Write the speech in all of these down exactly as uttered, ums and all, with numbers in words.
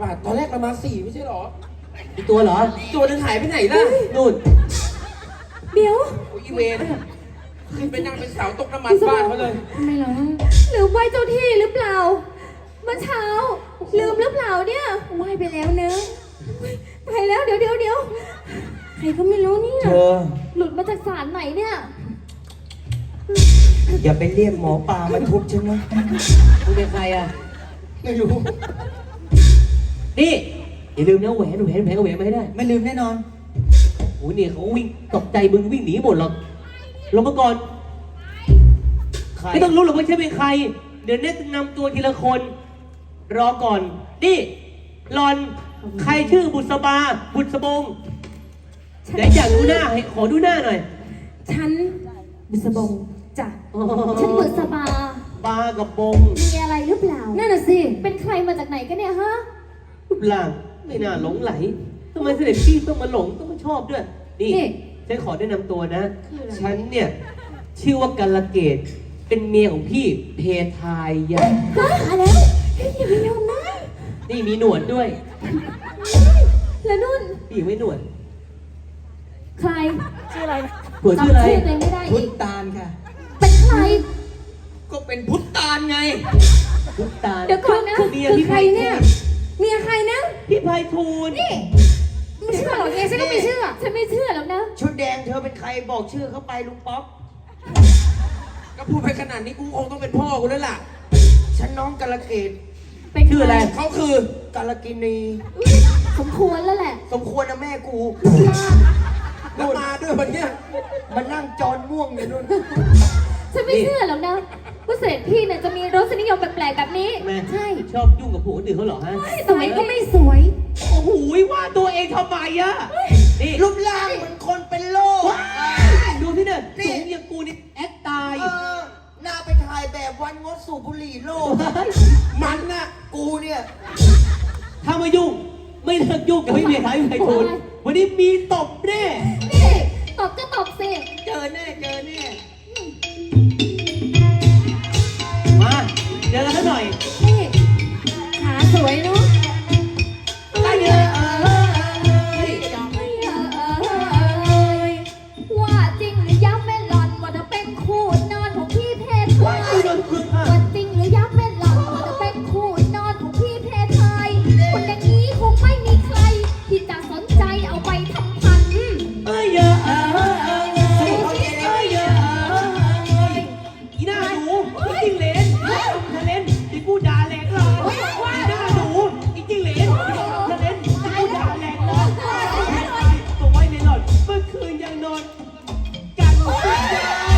บาทตอนแรกเรามาสี่ไม่ใช่หรอมีตัวเหรอตัวนึงหายไปไหนล่ะนู่นเดี๋ยวโอ้ยอีเวนขึ้นไปนั่งเป็นเสาตกน้ำมันบ้านเขาเลยทำไมเหรอหรือไหวเจ้าที่หรือเปล่าเมื่อเช้าลืมหรือเปล่าเนี่ยไหวไปแล้วเนอะไปแล้วเดี๋ยวเดี๋ยวเดี๋ยวใครก็ไม่รู้เนี่ยเธอหลุดมาจากศาลไหนเนี่ยอย่าไปเรียกหมอปลามาทุบฉันนะมึงเป็นใครอ่ะไม่รู้นี่อย่าลืมนะแหวนแหวนแหวนแหวนมาให้ได้ไม่ลืมแน่นอนโอ้ยเนี่ยเขาวิ่งตกใจมึงวิ่งหนีหมดหรอกลงมาก่อนใครไม่ต้องรู้หรอกว่าฉันเป็นใคร เดี๋ยวเน็ตนำตัวทีละคน รอก่อน นี่หลอน ใครชื่อบุษบา บุษบงเดี๋ยวอยากดูหน้าให้ขอดูหน้าหน่อยฉันบุษบงจ้ะอ๋อฉันบุษบาบากับบงมีอะไรหรือเปล่านั่นน่ะสิเป็นใครมาจากไหนกันเนี่ยฮะรูปร่างไม่น่าหลงไหลทำไมเสด็จพี่ต้องมาหลงต้องมาชอบด้วย นี่นี่ฉันขอแนะนำตัวนะคืออะไรฉันเนี่ย ชื่อว่ากัลเกต เป็นเมียของพี่เพทายยะฮะมาแล้วเฮ้ยอย่าไปยอมนะนี่มีหนวดด้วยแล้วนุ่นพี่ไม่หนวดใครชื่ออะไรผัวชื่ออะไรจำชื่อตัวเองไม่ได้พุอีทกตาลค่ะเป็นใครก็เป็นพุทธตาลไงพุทตาลเดี๋ยวก่อนนะคือเมียคือพี่ใครไพเนี่ยฑูรย์เมียใครนะพี่ไพฑูรย์นี่ไม่เชื่อหรอกไงฉันก็ไม่เชื่อ ฉันไม่เชื่อหรอกนะชุดแดงเธอเป็นใครบอกชื่อเข้าไปลุงป๊อกก็พูดไปขนาดนี้กูคงต้องเป็นพ่อกูแล้วล่ะฉันน้องกาลเกตเป็นชื่ออะไรเขาคือกาลกินีสมควรแล้วแหละสมควรนะแม่กูแล้วมาด้วยวันเนี้ยมันนั่งจอนม่วงอยู่นู่นฉันไม่เชื่อหรอกนะว่าเสด็จพี่เนี่ยจะมีรสนิยมแปลกๆแบบนี้แม่ใช่ชอบยุ่งกับผัวคนอื่นเขาเหรอฮะสวยก็ไม่สวยโอ้โหว่าตัวเองทำไมอะนี่รูปร่างเหมือนคนเป็นโรคดูที่เนี่ยนี่สูงอย่างกูนี่แอคตายเออหน้าไปถ่ายแบบวันงดสูบบุหรี่โลกมันน่ะกูเนี่ยถ้ามายุ่ง ไม่เลิกยุ่งกับพี่เมียท้ายพี่ไพฑูรย์วันนี้มีตบแน่นี่ตบก็ตบสิเจอแน่เจอแน่มาเจอกันสักหน่อยนี่ขาสวยเนาะไปเยอะเออว่าจริงหรือย้ำไม่หล่อนว่าจะเป็นคู่นอนของพี่เพทว่าไทกูยโดนคุกค่ะว่าจริงหรือย้ำไม่หล่อนว่าจะเป็นคู่นอนของพี่เพทไทยคนอย่างนี้คงไม่มีใคร ที่จะสนใจเอาไปทำพันเอ้ยเยอะเออเออเออเอ้ยเยอะเออเอออีหน้าหนูอีจิ้งเหลนทะเลนอีกูด่าแหลกเลยอีหน้าหนูอีจิ้งเหลนทะเลนอีกูด่าแหลกเลยตัวไว้ในหลอดเมื่อคืนยังนอนกันไม่ได้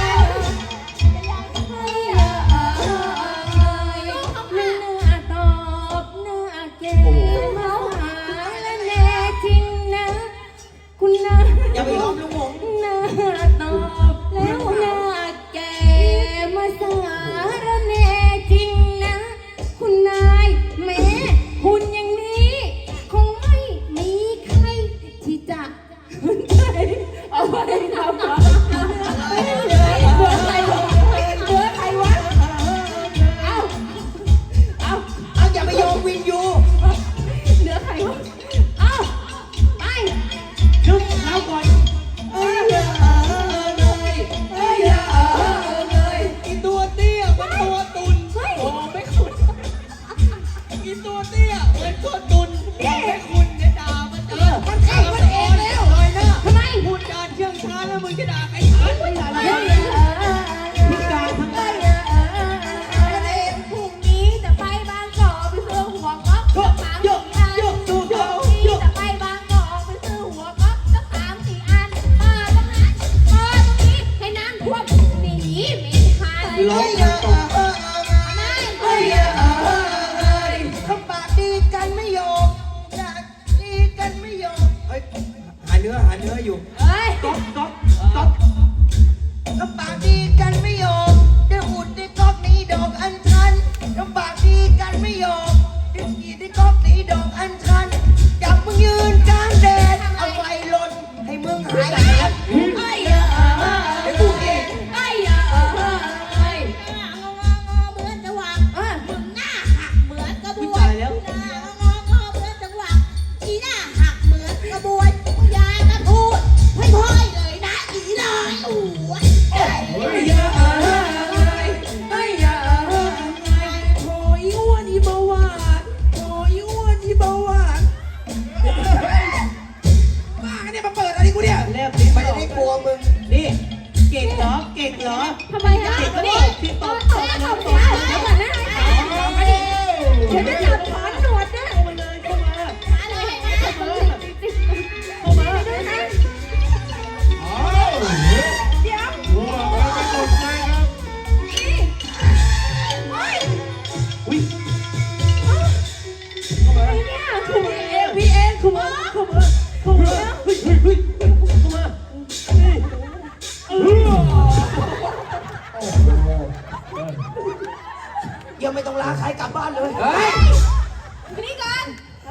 อย่าไปยอมลุงหงหน้าตอบแล้วหน้าแก่มาสารแน่จริงนะ คุณนายแม้คุณอย่างนี้ คงไม่มีใครที่จะสนใจเอาไปทำอะไรเหลือใครวะเหลือใครวะเอาเอาเอาอย่าไปยอมวินยูเหลือใครวะเอาไปนึกแล้วก่อนเอ้ยเออเออเลยเอ้ยเออเออเลยอีตัวเตี้ยมันตัวตุนเฮ้ยโอ้ไม่คุณอีตัวเตี้ยเหมือนตัวตุนไม่คุณเนี่ยด่ามันเออมันเองมันเองแล้วเลยนะทำไมพูดจาเชื่องช้าแล้วมึงจะด่าใครทันไม่ด่าอะไรพิการทั้งนั้นพรุ่งนี้จะไปบางกอกไปซื้อหัวก๊อกสามสี่อันพรุ่งนี้จะไปบางกอกไปซื้อหัวก๊อกสักสามสี่อันมาตรงนั้นมาตรงนี้ให้น้ำท่วมหนีไม่ทันร้องเอตรงอเออเออไม่เอ้ยเออเออเอ้ยคำปากดีกันไม่ยอมอยากดีกันไม่ยอมเฮ้ยหาเนื้อหาเนื้ออยู่เฮ้ยก๊อกก๊อกก๊อกคำปากดีกันไม่ยอมได้อุดได้ก๊อกนี้ดอกอัญชันคำปากดีกันไม่ยอมได้กีดได้ก๊อกนี้ดอกอัญชันจับมึงยืนกลางแดดเอาไฟลนให้มึงหายแดดเอ้ยเออเออเดี๋ยวกูเองเอ้ยเออเออเอ้ยงององอเหมือนจะหวังมึงหน้าหักเหมือนกระบผู้วชาน ยแล้วงองอเหมือนจะ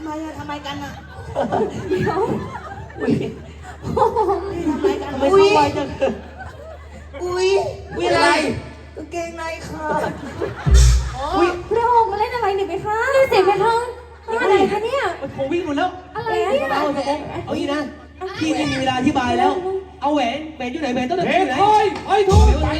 ไมอะทำไมกันอะเดี๋ยวอุ้ยนี่ทำไมกันทำไมเข้าไวจังอุ้ยอุ้ยอะไรกางเกงในขาดอุ้ยพระองค์มาเล่นอะไรเนี่ยไปคะนี่เสียงไปคะอะไรคะเนี่ยมันโผล่วิ่งหมดแล้วอะไรเนี่ยเอาสมองเอางี้นะพี่ไม่มีเวลาอธิบายแล้ว เอาแหวนแหวนอยู่ไหนแหวนต้นไหนเฮ้อย ยู่ไหนเฮ้ยเฮ้ยทูต